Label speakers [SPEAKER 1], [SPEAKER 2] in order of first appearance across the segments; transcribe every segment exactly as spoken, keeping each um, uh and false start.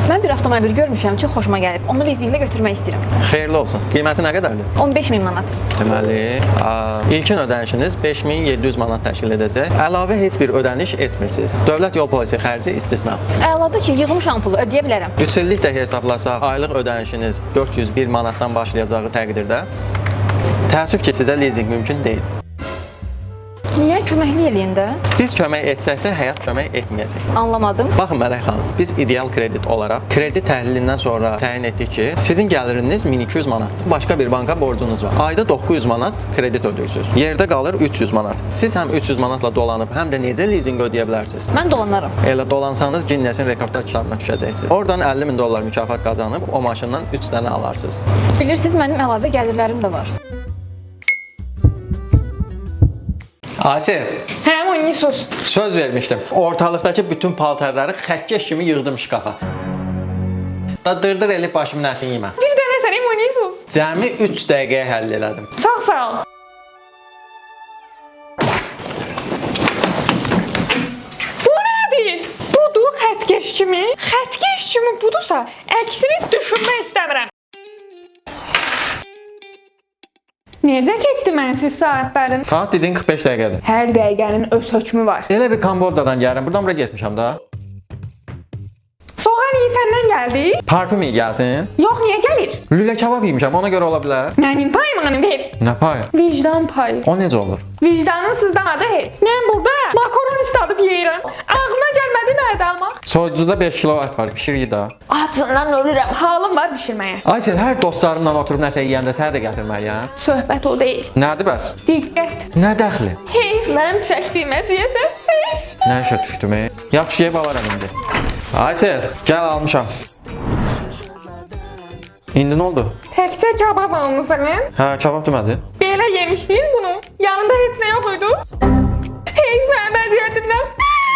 [SPEAKER 1] Mən bir avtomobil görmüşəm, çox xoşuma gəlib. Onu lizinqlə götürmək istəyirəm.
[SPEAKER 2] Xeyirli olsun. Qiyməti nə qədərdir?
[SPEAKER 1] on beş min manat.
[SPEAKER 2] Deməli, a, ilkin ödənişiniz beş min yeddi yüz manat təşkil edəcək. Əlavə heç bir ödəniş etmirsiniz. Dövlət yol polisi xərci istisna.
[SPEAKER 1] Əladır ki, yığılmışam pulu ödəyə bilərəm.
[SPEAKER 2] üç illik də hesablasaq, aylıq ödənişiniz dörd yüz bir manatdan başlayacağı təqdirdə təəssüf ki, sizə lizinq mümkün deyil.
[SPEAKER 1] Niyə köməkli eləyin də?
[SPEAKER 2] Biz kömək etsək də həyat kömək etməyəcək.
[SPEAKER 1] Anlamadım.
[SPEAKER 2] Baxın Mələk xanım, biz ideal kredit olaraq kredi təhlilindən sonra təyin etdik ki, sizin gəliriniz min iki yüz manatdır. Başqa bir banka borcunuz var. Ayda doqquz yüz manat kredit ödəyirsiniz. Yerdə qalır üç yüz manat. Siz həm üç yüz manatla dolanıb, həm də necə lizinq ödəyə bilərsiniz?
[SPEAKER 1] Mən dolanarım.
[SPEAKER 2] Elə dolansanız Ginnesin rekordlar kitabına düşəcəksiniz. Oradan əlli min dollar mükafat qazanıb o maşından üç dənə alarsınız.
[SPEAKER 1] Bilirsiniz, mənim əlavə gəlirlərim də var.
[SPEAKER 2] Asir,
[SPEAKER 1] Hə, oynuyorsunuz.
[SPEAKER 2] söz vermişdim. Ortalıqdakı bütün paltarları xəkkeş kimi yığdım şkafa. Da dırdır elib başımın ətini yemə.
[SPEAKER 1] Bir dənə sənə oynuyorsunuz.
[SPEAKER 2] Cəmi üç dəqiqəyə həll elədim.
[SPEAKER 1] Çox sağ ol. Bu nədir? Budur xətkeş kimi. Xətkeş kimi budursa, əksini düşünmək istəmirəm. Necə keçdi mənsiz saatların?
[SPEAKER 2] Saat dedin qırx beş dəqiqədir.
[SPEAKER 1] Hər dəqiqənin öz hökmü var.
[SPEAKER 2] Elə bir Kambodjadan gəlirəm. Buradan bura getmişəm da.
[SPEAKER 1] Soğan iyi səndən gəldi?
[SPEAKER 2] Parfüm iyi gəlsin.
[SPEAKER 1] Yox, niyə gəlir?
[SPEAKER 2] Lülə kabab yemişəm. Ona görə ola bilər.
[SPEAKER 1] Mənim payımı ver.
[SPEAKER 2] Nə payı?
[SPEAKER 1] Vicdan payı.
[SPEAKER 2] O necə olur?
[SPEAKER 1] Vicdanın sızlamadı heç. Mən burada makaron istadıb yeyirəm. Ağlıma gəlmədi mədə almaq.
[SPEAKER 2] Soyucuda beş kilo ət var. Pişirik də.
[SPEAKER 1] Acından ölürəm. Halım var bişirməyə.
[SPEAKER 2] Aysel, hər dostlarımla oturub nəsə yeyəndə sənə də gətirməliyəm.
[SPEAKER 1] Söhbət o deyil.
[SPEAKER 2] Nədir bəs?
[SPEAKER 1] Diqqət.
[SPEAKER 2] Nə dəxli?
[SPEAKER 1] Heyf mənim çəkdiyim əziyyətə. Heyf.
[SPEAKER 2] Nə işə düşdüm, ey? Yaxşı yeyib alaram indi. Aysel, gəl almışam. İndi nə oldu?
[SPEAKER 1] Təkcə kebab almısan?
[SPEAKER 2] Hə, kabab demədin?
[SPEAKER 1] Belə yemişdin bunu. Yanında heç nə yox idi. Heyf mənim əziyyətimdən.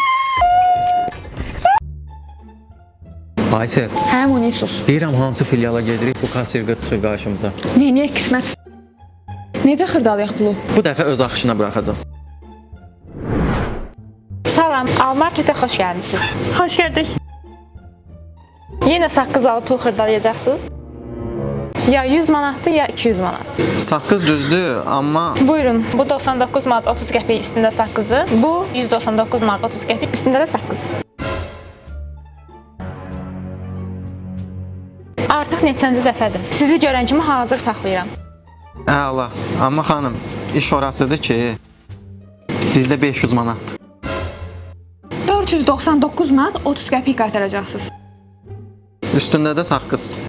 [SPEAKER 2] Aysel,
[SPEAKER 1] Hə, Munisus.
[SPEAKER 2] deyirəm hansı filiala gedirik, bu kassir qız çıxır qarşımıza.
[SPEAKER 1] Neyniyək qismət? Necə xırdalayaq pulu?
[SPEAKER 2] Bu dəfə öz axışına buraxacam.
[SPEAKER 1] Salam, Almarketə xoş gəlmisiniz. Xoş gəldik. Yenə saqqız alıb pul xırdalayacaqsınız? Ya yüz manatdır, ya iki yüz manat.
[SPEAKER 2] Saqqız düzdür, amma
[SPEAKER 1] Buyurun, bu doxsan doqquz manat otuz qəpik üstündə saqqızı, bu yüz doxsan doqquz manat otuz qəpik üstündə də saqqız. Artıq neçənci dəfədir. Sizi görən kimi hazır saxlayıram.
[SPEAKER 2] əla. Amma xanım, iş orasıdır ki, bizdə beş yüz manatdır.
[SPEAKER 1] dörd yüz doxsan doqquz manat otuz qəpik qaytaracaqsınız.
[SPEAKER 2] Üstündə də saqqız.